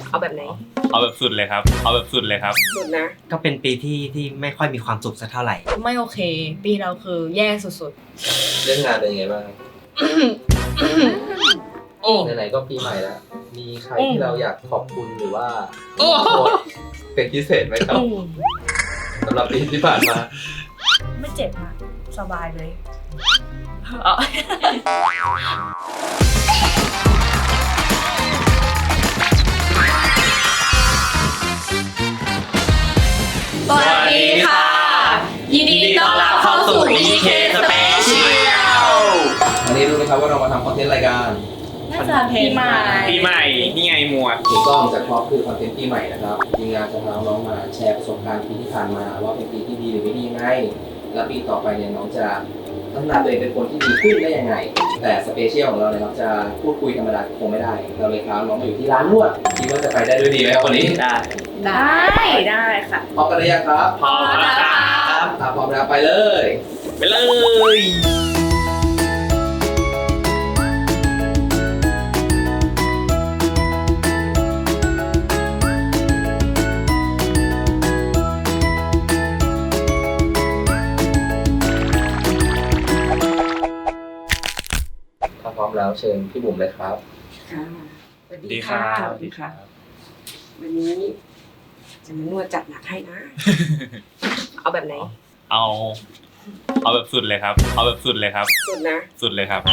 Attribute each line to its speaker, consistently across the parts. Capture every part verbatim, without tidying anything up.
Speaker 1: เอาแบบไหน
Speaker 2: เอาแบบสุดเลยครับเอาแบบสุดเลยครับ
Speaker 1: สุดนะ
Speaker 3: ก็เป็นปีที่ที่ไม่ค่อยมีความสุขสักเท่าไหร่
Speaker 4: ไม่โอเคปีเราคือแย่สุด
Speaker 5: ๆเรื่องงานเป็นยังไงบ้าง
Speaker 4: ๆโอ้
Speaker 5: ไหนๆก็ปีใหม่แล้วมีใครที่เราอยากขอบคุณหรือว่าเป็นพิเศษไหมครับสำหรับปีที่ผ่านมา
Speaker 4: ไม่เจ็บนะสบายเลยสวัสดีค่ะยินดีต้อนรับเข้าสู่ บี เค Special
Speaker 5: วันนี้รู้ไหมครับว่าเรามาทำคอนเทนต์รายการ
Speaker 4: น่าจะปีใหม่
Speaker 2: ปีใหม่นี่ไงหมวด
Speaker 5: ถูกต้องจากท็อปคือคอนเทนต์ปีใหม่นะครับทีมงานจะพาน้องมาแชร์ประสบการณ์ปีที่ผ่านมาว่าเป็นปีที่ดีหรือไม่ดียังไงและปีต่อไปเนี่ยน้องจะพัฒนาตัวเองเป็นคนที่ดีขึ้นได้ยังไงแต่สเปเชียลของเราเนี่ยเราจะพูดคุยธรรมดาคงไม่ได้เราเลยพาน้องมาอยู่ที่ร้านนวดคิดว่าจะไปได้ด้วยดีไหมครับวันนี้
Speaker 2: ได้
Speaker 4: ได้ได้ค่ะ
Speaker 5: พร้อมกันหรือยังครับ
Speaker 2: พร้อมแล้วครับ
Speaker 5: ถ้าพร้อมแล้วไปเลย
Speaker 2: ไปเลย
Speaker 5: พร้อมแล้วเชิญพี่บุ๋มเลยครับ
Speaker 1: ค่ะสวัสดีค่ะสวัสดีค่ะวันนี้จะมานวดจัดหนักให้นะ เอาแบบไหน
Speaker 2: เอาเอาแบบสุดเลยครับเอาแบบสุดเลยครับ
Speaker 1: สุดนะ
Speaker 2: สุดเลยครับ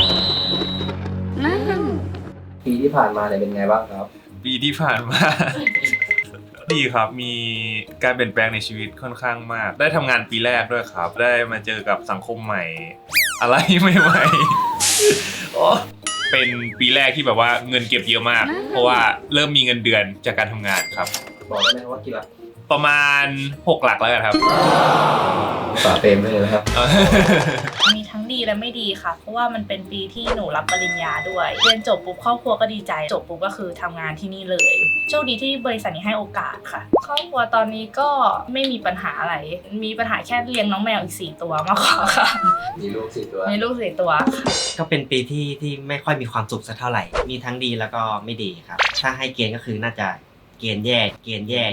Speaker 5: ปีที่ผ่านมาเนี่ยเป็นไงบ้างครับ
Speaker 2: ปีที่ผ่านมาดีครับมีการเปลี่ยนแปลงในชีวิตค่อนข้างมากได้ทำงานปีแรกด้วยครับได้มาเจอกับสังคมใหม่อะไรใหม่ๆเป็นปีแรกที่แบบว่าเงินเก็บเยอะมากเพราะว่าเริ่มมีเงินเดือนจากการทำงานครับ
Speaker 5: บอกได้ไหมว่ากี่หลัก
Speaker 2: ประมาณหกหลักแล้วกันครับ
Speaker 5: ฝาเต็มเลยนะครับ
Speaker 4: มีทั้งดีและไม่ดีค่ะเพราะว่ามันเป็นปีที่หนูรับปริญญาด้วยเรียนจบปุ๊บครอบครัวก็ดีใจจบปุ๊บก็คือทำงานที่นี่เลยโชคดีที่บริษัทนี้ให้โอกาสค่ะครอบครัวตอนนี้ก็ไม่มีปัญหาอะไรมีปัญหาแค่เลี้ยงน้องแมวอีกสี่ตัวมากกว่าค่ะ
Speaker 5: มีลูกสี่ตัว
Speaker 4: มีลูกสี่ตัว
Speaker 3: ก็เป็นปีที่ที่ไม่ค่อยมีความสุขสักเท่าไหร่มีทั้งดีแล้วก็ไม่ดีครับถ้าให้เกณฑ์ก็คือน่าจะเกณฑ์แย่เกณฑ์แย่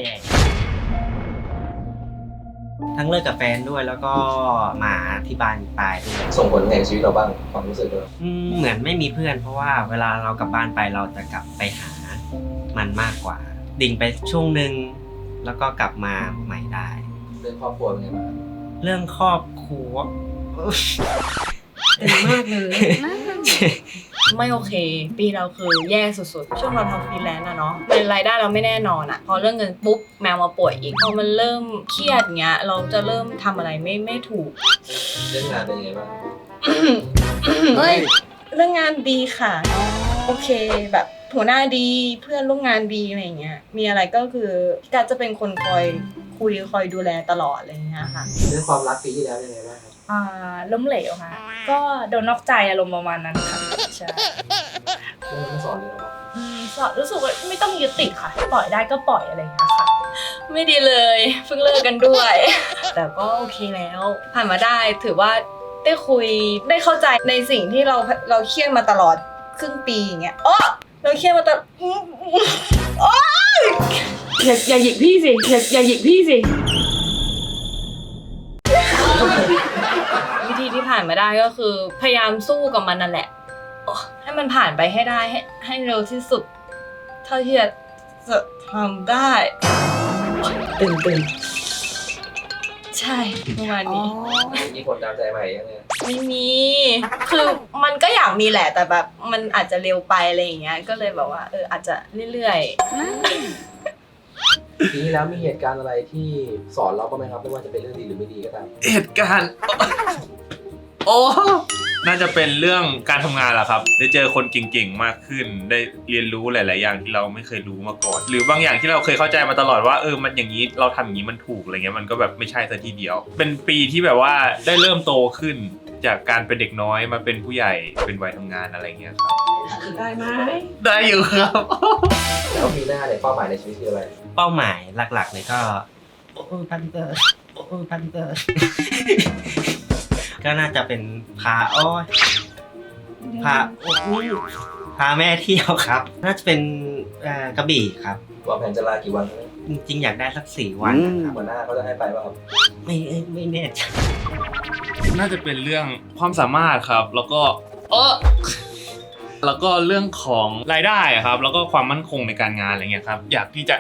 Speaker 3: ทั้งเลิกกับแฟนด้วยแล้วก็หมาที่บ้านตายด้วย
Speaker 5: ส่งผลในชีวิตเราบ้างความรู้สึกด้วย
Speaker 3: เหมือนไม่มีเพื่อนเพราะว่าเวลาเรากลับบ้านไปเราจะกลับไปหามันมากกว่าดิ่งไปช่วงหนึ่งแล้วก็กลับมาใหม่ได้
Speaker 5: เรื่องครอบครัวเป็นไงบ้าง
Speaker 3: เรื่องครอบครัว
Speaker 1: ดีมากเลย
Speaker 4: ไม่โอเคปีเราคือแย่สุดๆช่วงเราทำฟรีแลนซ์อะเนาะรายได้เราไม่แน่นอนอะพอเรื่องเงินปุ๊บแมวมาป่วยอีกพอมันเริ่มเครียดเงี้ยเราจะเริ่มทำอะไรไม่ไม่ถูก
Speaker 5: เรื่องงานเป็นยังไงบ้าง
Speaker 4: เฮ้ยเรื่องงานดีค่ะโอเคแบบหัวหน้าดีเพื่อนร่วมงานดีอะไรเงี้ยมีอะไรก็คือพี่การจะเป็นคนคอยคุยคอยดูแลตลอดอะไรเงี้ยค่ะ
Speaker 5: เรื่องความรักปีที่แล้วยังไงบ้างครับ
Speaker 4: อ่าล้มเหลวค่ะก็โดนนอกใจอารมณ์ประมาณนั้นค่ะใช่
Speaker 5: เรื่องสอนเลยหรอ
Speaker 4: สอนรู้สึกว่าไม่ต้องยึดติดค่ะปล่อยได้ก็ปล่อยอะไรอย่างเงี้ยค่ะไม่ดีเลยเพิ่งเลิกกันด้วยแต่ก็โอเคแล้วผ่านมาได้ถือว่าได้คุยได้เข้าใจในสิ่งที่เราเราเครียดมาตลอดครึ่งปีอย่างเงี้ยอ๋อเราเครียดมาตลอดโอ๊ย
Speaker 1: อย่าอย่าหยิกพี่สิอย่าอย่าหยิกพี่สิ
Speaker 4: วิธีที่ผ่านมาได้ก็คือพยายามสู้กับมันนั่นแหละให้มันผ่านไปให้ได้ให้ให้เร็วที่สุดเท่าที่จะทำได้
Speaker 1: ตื่นตื่น
Speaker 4: ใช่ประมาณนี้
Speaker 5: มีคนตามใจใหม่ยังไง
Speaker 4: ไม่มีคือมันก็อยากมีแหละแต่แบบมันอาจจะเร็วไปอะไรอย่างเงี้ยก็เลยแบบว่าเอออาจจะเรื่อย
Speaker 5: ๆทีนี้แล้วมีเหตุการณ์อะไรที่สอนเราบ้างไหมครับไม่ว่าจะเป็นเรื่องดีหรือไม่ดีก็ตาม
Speaker 2: เหตุการณ์โอ้น่าจะเป็นเรื่องการทำงานแหละครับได้เจอคนเก่งๆมากขึ้นได้เรียนรู้หลายๆอย่างที่เราไม่เคยรู้มาก่อนหรือบางอย่างที่เราเคยเข้าใจมาตลอดว่าเออมันอย่างนี้เราทำอย่างนี้มันถูกอะไรเงี้ยมันก็แบบไม่ใช่ซะทีเดียวเป็นปีที่แบบว่าได้เริ่มโตขึ้นจากการเป็นเด็กน้อยมาเป็นผู้ใหญ่เป็นวัยทำงานอะไรเงี้ยครับ
Speaker 1: ได้ไหม
Speaker 2: ได้อยู่ครับ
Speaker 5: แล้วปีหน้าเนี่ยเป้าหมายในชีวิตคืออะไร
Speaker 3: เป้าหมายหลักๆเลยก็โอ้พันเตอร์โอ้พันเตอร์ก็น่าจะเป็นพาอ้อยพาโอ้พพาแม่เที่ยวครับ น่าจะเป็นเอ่อกระบี่ครับ
Speaker 5: วางแผนจะลากี่วันครับ
Speaker 3: จริงๆอยากได้สักสี่วันนะครับ
Speaker 5: หัวหน้าเขาจะให้ไปป่ะครับ
Speaker 3: ไม่เอ้ยไม่แน่ใจ
Speaker 2: น่าจะเป็นเรื่องความสามารถครับ แล้วก็เออแล้วก็เรื่องของรายได้ครับ แล้วก็ความมั่นคงในการงานอะไรเงี้ยครับ อยากที่จะ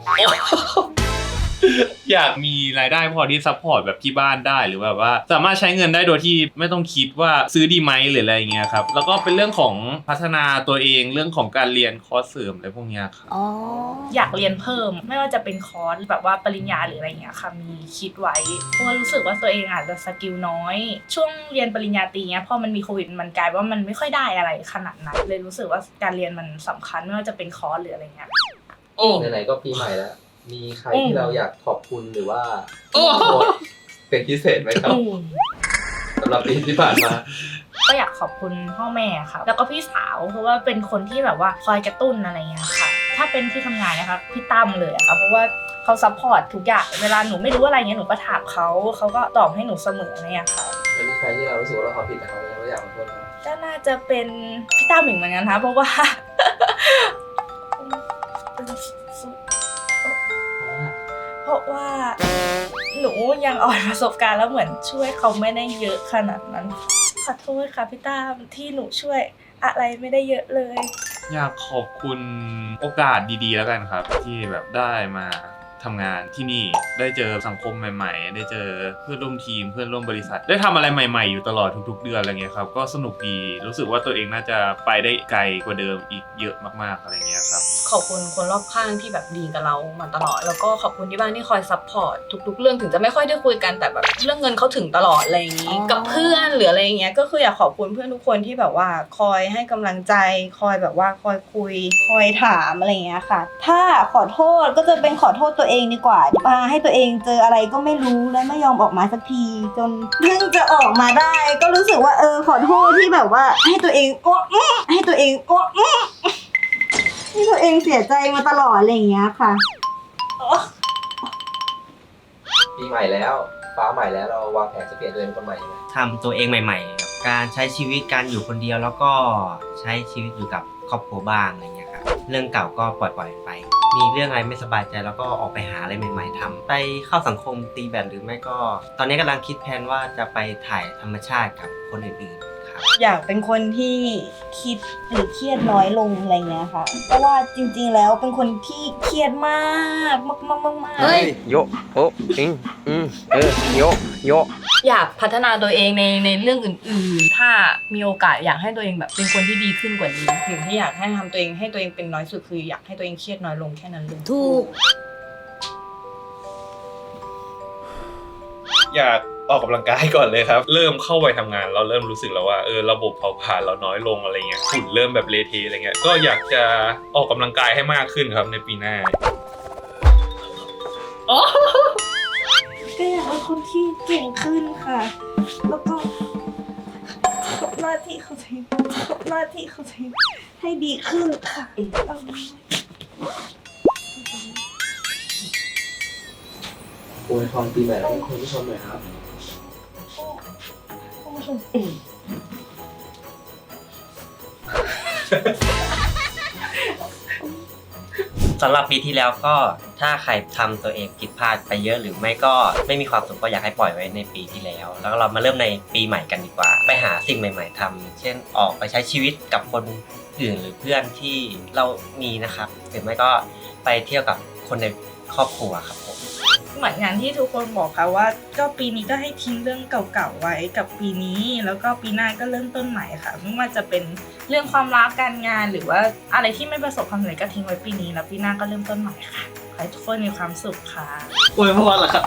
Speaker 2: อยากมีรายได้พอที่ซัพพอร์ตแบบที่บ้านได้หรือแบบว่าสามารถใช้เงินได้โดยที่ไม่ต้องคิดว่าซื้อดีไหมหรืออะไรอย่างเงี้ยครับแล้วก็เป็นเรื่องของพัฒนาตัวเองเรื่องของการเรียนคอร์สเสริมอะไรพวกเนี้ยครับ
Speaker 4: อ๋ออยากเรียนเพิ่มไม่ว่าจะเป็นคอร์สแบบว่าปริญญาหรืออะไรเงี้ยค่ะมีคิดไว้เพราะว่ารู้สึกว่าตัวเองอาจจะสกิลน้อยช่วงเรียนปริญญาตรีเนี้ยพอมันมีโควิดมันกลายว่ามันไม่ค่อยได้อะไรขนาดนั้นเลยรู้สึกว่าการเรียนมันสำคัญไม่ว่าจะเป็นคอร์สหรืออะไรเงี้ย
Speaker 2: โอ้
Speaker 5: ไหนๆก็ปีใหม่แล้ว มีใคร
Speaker 4: อืม
Speaker 5: ที่เราอยากขอบคุณหรือว่า
Speaker 2: โอ้
Speaker 5: โทษเป็นพิเศษไหมครับ
Speaker 4: อืม
Speaker 5: สำหรับปีที่ผ่านมา
Speaker 4: ก็อยากขอบคุณพ่อแม่ค่ะแล้วก็พี่สาวเพราะว่าเป็นคนที่แบบว่าคอยกระตุ้นอะไรเงี้ยค่ะถ้าเป็นที่ทำงานนะคะพี่ตั้มเลยอะค่ะเพราะว่าเขาซัพพอร์ตทุกอย่างเวลาหนูไม่รู้อะไรเงี้ยหนูก็ถามเขาเขาก็ตอบให้หนูเสมอเนี่ยค่ะ
Speaker 5: แล้วมีใครที่เรารู้สึกว่าเราทำผิดแต่เขาไม่ได้อยากขอโทษเขา
Speaker 4: ก็น่าจะเป็นพี่ตั้มอีกเหมือนกันนะเพราะว่า เพราะว่าหนูยังอ่อนประสบการณ์แล้วเหมือนช่วยเขาไม่ได้เยอะขนาดนั้นขอโทษค่ะพี่ตั้มที่หนูช่วยอะไรไม่ได้เยอะเลย
Speaker 2: อยากขอบคุณโอกาสดีๆแล้วกันครับ ที่แบบได้มาทำงานที่นี่ได้เจอสังคมใหม่ๆได้เจอเพื่อนร่วมทีมเพื่อนร่วมบริษัทได้ทำอะไรใหม่ๆอยู่ตลอดทุกๆเดือนอะไรเงี้ยครับก็สนุกดีรู้สึกว่าตัวเองน่าจะไปได้ไกลกว่าเดิมอีกเยอะมากๆอะไรเงี้ยครับ
Speaker 6: ขอบคุณคนรอบข้างที่แบบดีกับเรามาตลอดแล้วก็ขอบคุณที่บ้านที่คอยซัพพอร์ตทุกๆเรื่องถึงจะไม่ค่อยได้คุยกันแต่แบบเรื่องเงินเขาถึงตลอดอะไรอย่างนี้
Speaker 4: อ๋อ
Speaker 6: กับเพื่อนหรืออะไรอย่างเงี้ยก็คืออยากขอบคุณเพื่อนทุกคนที่แบบว่าคอยให้กำลังใจคอยแบบว่าคอยคุย
Speaker 7: คอยถามอะไรอย่างเงี้ยค่ะ ถ้าขอโทษก็จะเป็นขอโทษตัวเองดีกว่าพาให้ตัวเองเจออะไรก็ไม่รู้และไม่ยอมออกมาสักที จนเพิ่งจะออกมาได้ ก็รู้สึกว่าเออขอโทษที่แบบว่าให้ตัวเองอ้วกอื้อให้ตัวเองอ้วกอื้อที่ตัวเองเสียใจมาตลอดอะไรอย่างเงี้ยค่ะ
Speaker 5: ปีใหม่แล้วฟ้าใหม่แล้วเราวางแผนจะเปลี่ยนตัวเองเป็นคนใหม่ยังไง
Speaker 3: ทำตัวเองใหม่ๆกับการใช้ชีวิตการอยู่คนเดียวแล้วก็ใช้ชีวิตอยู่กับครอบครัวบ้างอะไรเงี้ยครับเรื่องเก่าก็ปล่อยๆไป มีเรื่องอะไรไม่สบายใจแล้วก็ออกไปหาอะไรใหม่ๆทำไปเข้าสังคมตีแบดหรือไม่ก็ ตอนนี้กำลังคิดแผนว่าจะไปถ่ายธรรมชาติกับคนอื่นๆครับ
Speaker 7: อยากเป็นคนที่คิดหรือเครียดน้อยลงอะไรเงี้ยค่ะ เพราะว่าจริงๆแล้วเป็นคนที่เครียดมากมากมากมากมาก
Speaker 6: เฮ้ย
Speaker 8: โยโออืมอืมเออโยโย
Speaker 6: อยากพัฒนาตัวเองในในเรื่องอื่นๆ ถ้ามีโอกาสอยากให้ตัวเองแบบเป็นคนที่ดีขึ้นกว่านี้สิ่งที่อยากให้ทำตัวเองให้ตัวเองเป็นน้อยสุดคืออยากให้ตัวเองเครียดน้อยลงแค่นั้นเลย
Speaker 7: ถูก
Speaker 2: อยากออกกำลังกายก่อนเลยครับ เริ่มเข้าไปทำงานเราเริ่มรู้สึกแล้วว่าเออระบบเผาผลาญเราน้อยลงอะไรเงี้ยหุ่นเริ่มแบบเละเทะอะไรเงี้ยก็อยากจะออกกำลังกายให้มากขึ้นครับในปีหน้า
Speaker 7: ก็อยากเป็นคนที่เก่งขึ้นค่ะ แล้วก็ทำหน้าที่เขาทีทำหน้าที่เขาทีให้ดีขึ้นค่ะเอา
Speaker 5: อวยพรปีใหม่แล้วให้คุณผู้ชมหน่อยครับ
Speaker 3: สำหรับปีที่แล้วก็ถ้าใครทำตัวเองผิดพลาดไปเยอะหรือไม่ก็ไม่มีความสุขก็อยากให้ปล่อยไว้ในปีที่แล้ว แล้วเรามาเริ่มในปีใหม่กันดีกว่า ไปหาสิ่งใหม่ ๆทำเช่นออกไปใช้ชีวิตกับคนอื่นหรือเพื่อนที่เรามีนะครับหรือไม่ก็ไปเที่ยวกับคนในครอบครัวครับผม
Speaker 4: เหมือนอย่างที่ทุกคนบอกค่ะว่าก็ปีนี้ก็ให้ทิ้งเรื่องเก่าๆไว้กับปีนี้แล้วก็ปีหน้าก็เริ่มต้นใหม่ค่ะไม่ว่าจะเป็นเรื่องความรักการงานหรือว่าอะไรที่ไม่ประสบความสำเร็จก็ทิ้งไว้ปีนี้แล้วปีหน้าก็เริ่มต้นใหม่ค่ะขอให้ทุกคนมีความสุขค่ะ
Speaker 9: อวยพรเหรอครับ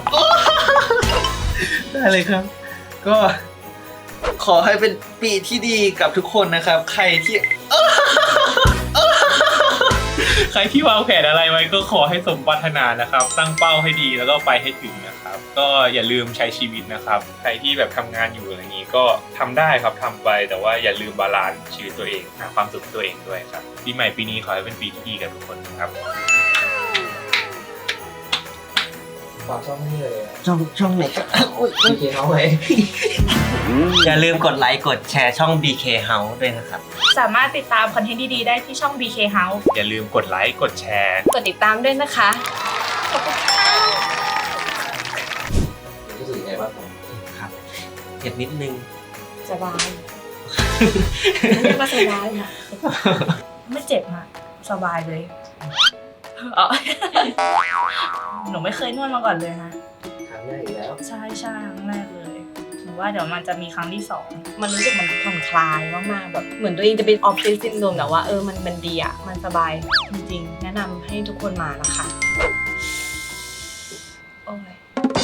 Speaker 9: ได้เลยครับ ก็ขอให้เป็นปีที่ดีกับทุกคนนะครับ ใครที่
Speaker 2: ใครที่วางแผนอะไรไว้ก็ขอให้สมปรารถนานะครับ ตั้งเป้าให้ดีแล้วก็ไปให้ถึงนะครับ ก็อย่าลืมใช้ชีวิตนะครับ ใครที่แบบทำงานอยู่อะไรอย่างนี้ก็ทำได้ครับทำไปแต่ว่าอย่าลืมบาลานซ์ชีวิตตัวเองหาความสุขตัวเองด้วยครับปีใหม่ปีนี้ขอให้เป็นปีที่ดีกับทุกคนนะครับ
Speaker 5: ขฝากช่องให้เลยอะ
Speaker 3: ช่องช่องไหนก็
Speaker 5: พีเคเขาไหม
Speaker 3: อย่าลืมกดไลค์กดแชร์ช่อง บี เค House ด้วยนะครับ
Speaker 4: สามารถติดตามคอนเทนต์ดีๆได้ที่ช่อง บี เค House
Speaker 2: อย่าลืมกดไลค์กดแชร์
Speaker 4: กดติดตามด้วยนะคะ ขอบคุณค่ะ
Speaker 5: รู้สึกยังไงบ้างครับ
Speaker 3: ครับเจ็บนิดนึง
Speaker 4: สบายเรียกว่าสบายค่ะ ไม่เจ็บค่ะสบายเลยอ๋อหนูไม่เคยนวดมาก่อนเลยค่ะ
Speaker 5: ครั้งแรกอีกแล้ว
Speaker 4: ใช่ใช่ครั้งแรกเลยหนูว่าเดี๋ยวมันจะมีครั้งที่สองมันรู้สึกมันผ่อนคลายมากๆแบบเหมือนตัวเองจะเป็นออฟฟิศซินโดรมแต่ว่าเออมันมันดีอ่ะมันสบายจริงๆแนะนำให้ทุกคนมานะคะโอ้ย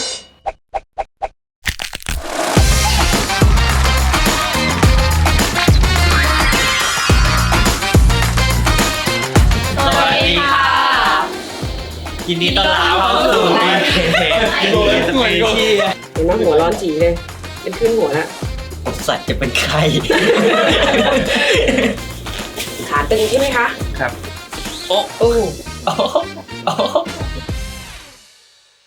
Speaker 4: สวัสดีค่ะ
Speaker 3: ยินดีต้อนรับเข้าสู่ บี เค
Speaker 5: เหมือนกับพี่
Speaker 1: เห็นไหมหัวร้อนจีเลย เป็นขึ้นหัวแล้ว
Speaker 3: สัตว์จะเป็นใคร
Speaker 1: ขาตึงใช่ไหมคะ
Speaker 2: ครับ
Speaker 1: โอ้
Speaker 3: โอ้โหโอ้โห